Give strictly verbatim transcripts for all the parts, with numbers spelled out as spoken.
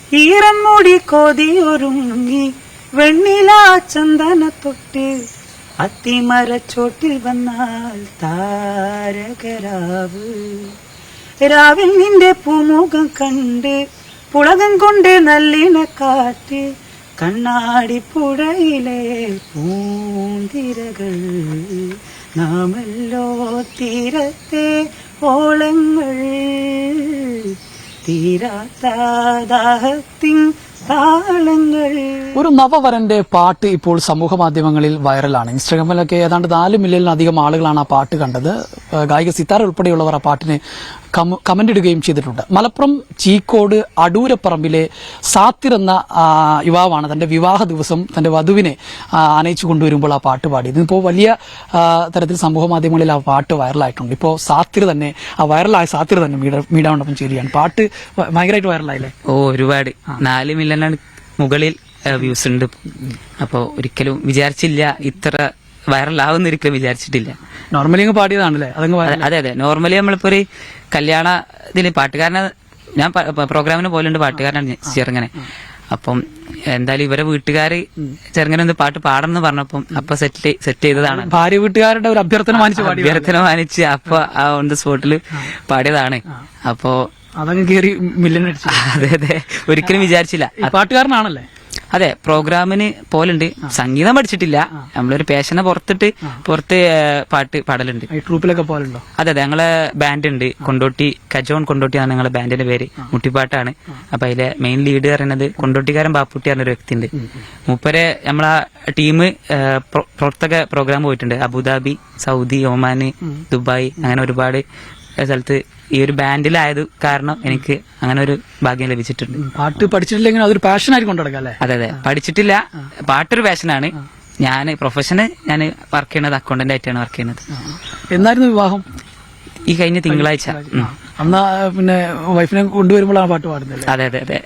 ഈറൻ മൂടി കോതിയൊരുങ്ങി വെണ്ണില ചന്ദന തൊട്ട് അത്തിമരച്ചോട്ടിൽ വന്നാൽ താരകരാവ് രാവിൽ നിന്റെ പൂമുഖം കണ്ട് പുളകം കൊണ്ട് നല്ലിന കാറ്റ് കണ്ണാടി പുഴയിലെ പൂന്തിരകൾ നാമല്ലോ തീരത്തെ ഓളങ്ങൾ തീരാത്ത ദാഹത്തിൻ താളങ്ങൾ. ഒരു നവവരന്റെ പാട്ട് ഇപ്പോൾ സമൂഹ മാധ്യമങ്ങളിൽ വൈറലാണ്. ഇൻസ്റ്റാഗ്രാമിലൊക്കെ ഏതാണ്ട് നാല് മില്യണിലധികം ആളുകളാണ് ആ പാട്ട് കണ്ടത്. ഗായിക സിത്താര ഉൾപ്പെടെയുള്ളവർ ആ പാട്ടിന് കമന്റ് ഇടുകയും ചെയ്തിട്ടുണ്ട്. മലപ്പുറം ചീക്കോട് അടൂരപ്പറമ്പിലെ സാത്തിർ എന്ന യുവാവാണ് തന്റെ വിവാഹ ദിവസം തന്റെ വധുവിനെ ആനയിച്ചു കൊണ്ടുവരുമ്പോൾ ആ പാട്ട് പാടി. ഇതിപ്പോൾ വലിയ തരത്തിൽ സമൂഹ മാധ്യമങ്ങളിൽ ആ പാട്ട് വൈറലായിട്ടുണ്ട്. ഇപ്പോൾ സാത്തിർ തന്നെ ആ വൈറലായ സാത്തിർ തന്നെ മീഡിയ മണ്ഡപം ചെയ്യുകയാണ്. പാട്ട് ഭയങ്കരമായിട്ട് വൈറലായില്ലേ? ഓ, ഒരുപാട്. നാല് മില്യൺ മുകളിൽ വ്യൂസ് ഉണ്ട്. അപ്പോ ഒരിക്കലും വിചാരിച്ചില്ല ഇത്ര വൈറലാവുന്ന, ഒരിക്കലും വിചാരിച്ചിട്ടില്ല. നോർമലി അങ്ങ് പാടിയതാണല്ലേ? അതെ അതെ നോർമലി നമ്മളിപ്പോ ഒരു കല്യാണ ഇതില് പാട്ടുകാരനെ ഞാൻ പ്രോഗ്രാമിന് പോലുണ്ട്, പാട്ടുകാരനാണ് ചെറുങ്ങനെ. അപ്പം എന്തായാലും ഇവരെ വീട്ടുകാര് ചെറുങ്ങനെ ഒന്ന് പാട്ട് പാടണം എന്ന് പറഞ്ഞപ്പം അപ്പൊ സെറ്റ് സെറ്റ് ചെയ്തതാണ്. ഭാര്യ വീട്ടുകാരുടെ ഒരു അഭ്യർത്ഥന മാനിച്ച് അഭ്യർത്ഥന മാനിച്ച് അപ്പൊ ആ ഓൺ ദ സ്പോട്ടില് പാടിയതാണ്. അപ്പോ അതങ്ങ് കയറി മില്യൺ അടിച്ചു. അതെ അതെ ഒരിക്കലും വിചാരിച്ചില്ല. പാട്ടുകാരനാണല്ലേ? അതെ, പ്രോഗ്രാമിന് പോലുണ്ട്. സംഗീതം പഠിച്ചിട്ടില്ല. നമ്മളൊരു പാഷനെ പുറത്തിട്ട് പുറത്ത് പാട്ട് പാടലുണ്ട്. ട്രൂപ്പിലൊക്കെ പോലുണ്ടോ? അതെ അതെ ഞങ്ങളെ ബാൻഡ് ഉണ്ട്, കൊണ്ടോട്ടി കജോൺ കൊണ്ടോട്ടി ആണ് ഞങ്ങളെ ബാൻഡിന്റെ പേര്. മുട്ടിപ്പാട്ടാണ്. അപ്പൊ അതിലെ മെയിൻ ലീഡ് പറയുന്നത് കൊണ്ടോട്ടിക്കാരൻ ബാപ്പുട്ടി പറഞ്ഞൊരു വ്യക്തി ഉണ്ട്. മൂപ്പരെ നമ്മളെ ടീം പുറത്തൊക്കെ പ്രോഗ്രാം പോയിട്ടുണ്ട്. അബുദാബി, സൗദി, ഒമാന്, ദുബായ്, അങ്ങനെ ഒരുപാട് സ്ഥലത്ത് ഈ ഒരു ബാൻഡിലായത് കാരണം എനിക്ക് അങ്ങനെ ഒരു ഭാഗ്യം ലഭിച്ചിട്ടുണ്ട്. പാട്ട് പഠിച്ചിട്ടില്ലെങ്കിൽ അതൊരു പാഷനായിട്ട് കൊണ്ടുനടക്കാം അല്ലേ? അതെ അതെ പഠിച്ചിട്ടില്ല. പാട്ടൊരു പാഷനാണ്. ഞാൻ പ്രൊഫഷന് ഞാൻ വർക്ക് ചെയ്യുന്നത് അക്കൗണ്ടന്റ് ആയിട്ടാണ് വർക്ക് ചെയ്യുന്നത്. എന്നായിരുന്നു വിവാഹം? ഈ കഴിഞ്ഞ തിങ്കളാഴ്ച. അന്ന് പിന്നെ വൈഫിനെ കൊണ്ടുവരുമ്പോഴാണ് പാട്ട് പാടുന്നത്. അതെ അതെ അതെ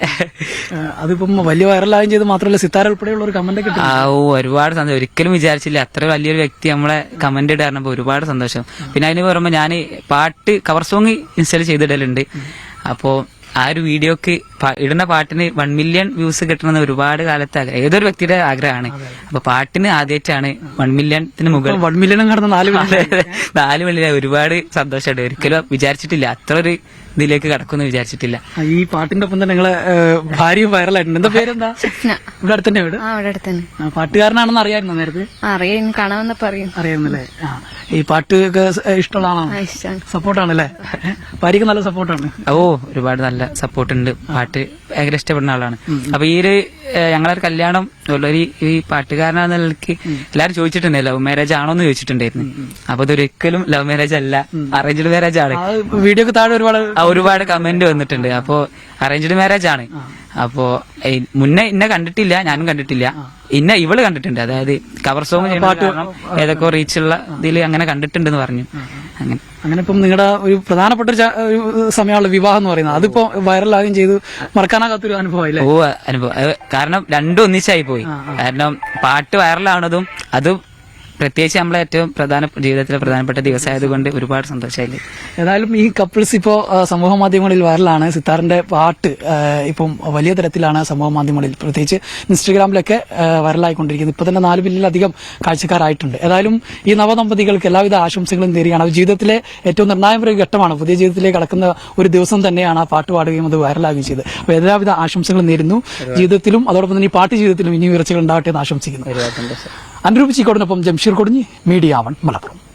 അതിപ്പം വലിയ വൈറലായും ചെയ്ത് മാത്രമല്ല സിത്താര ഉൾപ്പെടെയുള്ള ഒരു കമന്റ് കിട്ടും. ആ ഓ ഒരുപാട് സന്തോഷം. ഒരിക്കലും വിചാരിച്ചില്ല അത്ര വലിയൊരു വ്യക്തി നമ്മളെ കമന്റ് ഇടാറുമ്പോ ഒരുപാട് സന്തോഷം. പിന്നെ അതിന് പറയുമ്പോ ഞാൻ പാട്ട് കവർ സോങ് ഇൻസ്റ്റാൾ ചെയ്തിടലുണ്ട്. അപ്പോ ആ ഒരു വീഡിയോക്ക് ഇടുന്ന പാട്ടിന് വൺ മില്യൺ വ്യൂസ് കിട്ടണമെന്ന് ഒരുപാട് കാലത്ത് ഏതൊരു വ്യക്തിയുടെ ആഗ്രഹമാണ്. അപ്പൊ പാട്ടിന് ആദ്യമായിട്ടാണ് വൺ മില്യണത്തിന് മുകളിൽ വൺ മില്യൺ കടന്ന നാല് നാല് മില്യൺ. ഒരുപാട് സന്തോഷമുണ്ട്. ഒരിക്കലും വിചാരിച്ചിട്ടില്ല അത്ര ഒരു ഇതിലേക്ക് കടക്കുമെന്ന് വിചാരിച്ചിട്ടില്ല. ഈ പാട്ടിന്റെ ഒപ്പം തന്നെ നിങ്ങളെ ഭാര്യയും വൈറലായിട്ടുണ്ട്. എന്താ പേരെന്താ? ഇവിടെ അടുത്തന്നെ വീട്? പാട്ടുകാരനാണെന്ന് അറിയാമായിരുന്നു നേരത്തെ? അറിയാം, കാണാമെന്ന് പറയും. അറിയാമെന്നല്ലേ? ഈ പാട്ട് ഇഷ്ടമുള്ള ആളാണ്? സപ്പോർട്ടാണല്ലേ? ഭാര്യക്ക് നല്ല സപ്പോർട്ടാണ്? ഓ ഒരുപാട് നല്ല സപ്പോർട്ട് ഉണ്ട്. പാട്ട് ഭയങ്കര ഇഷ്ടപ്പെടുന്ന ആളാണ്. അപ്പൊ ഈ ഒരു ഞങ്ങളൊരു കല്യാണം ഒരു ഈ പാട്ടുകാരനാണെന്ന നിലയ്ക്ക് എല്ലാരും ചോദിച്ചിട്ടുണ്ട് ലവ് മാരേജ് ആണോ എന്ന് ചോദിച്ചിട്ടുണ്ടായിരുന്നു. അപ്പൊ ഇതൊരിക്കലും ലവ് മാരേജ് അല്ല, അറേഞ്ച്ഡ് മാരേജ് ആണ്. വീഡിയോക്ക് താഴെ ഒരുപാട് ഒരുപാട് കമന്റ് വന്നിട്ടുണ്ട്. അപ്പോ അറേഞ്ച്ഡ് മാരേജ് ആണ്. അപ്പോ മുന്നേ ഇന്നെ കണ്ടിട്ടില്ല, ഞാനും കണ്ടിട്ടില്ല. ഇന്ന ഇവള് കണ്ടിട്ടുണ്ട്. അതായത് കവർ സോങ് പാട്ട് ഏതൊക്കെ റീച്ചുള്ള ഇതിൽ അങ്ങനെ കണ്ടിട്ടുണ്ടെന്ന് പറഞ്ഞു. അങ്ങനെ അങ്ങനെ ഇപ്പം നിങ്ങളുടെ ഒരു പ്രധാനപ്പെട്ട ഒരു സമയമുള്ള വിവാഹം എന്ന് പറയുന്നത് അതിപ്പോ വൈറലാകുകയും ചെയ്തു. മറക്കാനാകാത്തൊരു അനുഭവം. ഓ അനുഭവം. കാരണം രണ്ടും ഒന്നിച്ചായി പോയി. കാരണം പാട്ട് വൈറലാവണതും അതും പ്രത്യേകിച്ച് നമ്മളെ ഏറ്റവും പ്രധാന ജീവിതത്തിലെ പ്രധാനപ്പെട്ട ദിവസമായതുകൊണ്ട് ഒരുപാട് സന്തോഷമായില്ലേ. ഏതായാലും ഈ കപ്പിൾസ് ഇപ്പോ സമൂഹ മാധ്യമങ്ങളിൽ വൈറലാണ്. സിത്താറിന്റെ പാട്ട് ഇപ്പം വലിയ തരത്തിലാണ് സമൂഹ മാധ്യമങ്ങളിൽ, പ്രത്യേകിച്ച് ഇൻസ്റ്റഗ്രാമിലൊക്കെ വൈറലായിക്കൊണ്ടിരിക്കുന്നത്. ഇപ്പൊ തന്നെ നാല് മില്യണിലധികം കാഴ്ചക്കാരായിട്ടുണ്ട്. ഏതായാലും ഈ നവദമ്പതികൾക്ക് എല്ലാവിധ ആശംസകളും നേരുകയാണ്. അവർ ജീവിതത്തിലെ ഏറ്റവും നിർണായക ഘട്ടമാണ്. പുതിയ ജീവിതത്തിലേക്ക് കടക്കുന്ന ഒരു ദിവസം തന്നെയാണ് ആ പാട്ട് പാടുകയും അത് വൈറലാകുകയും ചെയ്തത്. അപ്പോൾ എല്ലാവിധ ആശംസകളും നേരുന്നു. ജീവിതത്തിലും അതോടൊപ്പം തന്നെ ഈ പാട്ട് ജീവിതത്തിലും ഇനി ഉയർച്ചകൾ ഉണ്ടാവട്ടെ എന്ന് ആശംസിക്കുന്നു. അനുരൂപ് ചീക്കോടിനൊപ്പം ജംഷീർ കൊടിഞ്ഞി, മീഡിയ വൺ, മലപ്പുറം.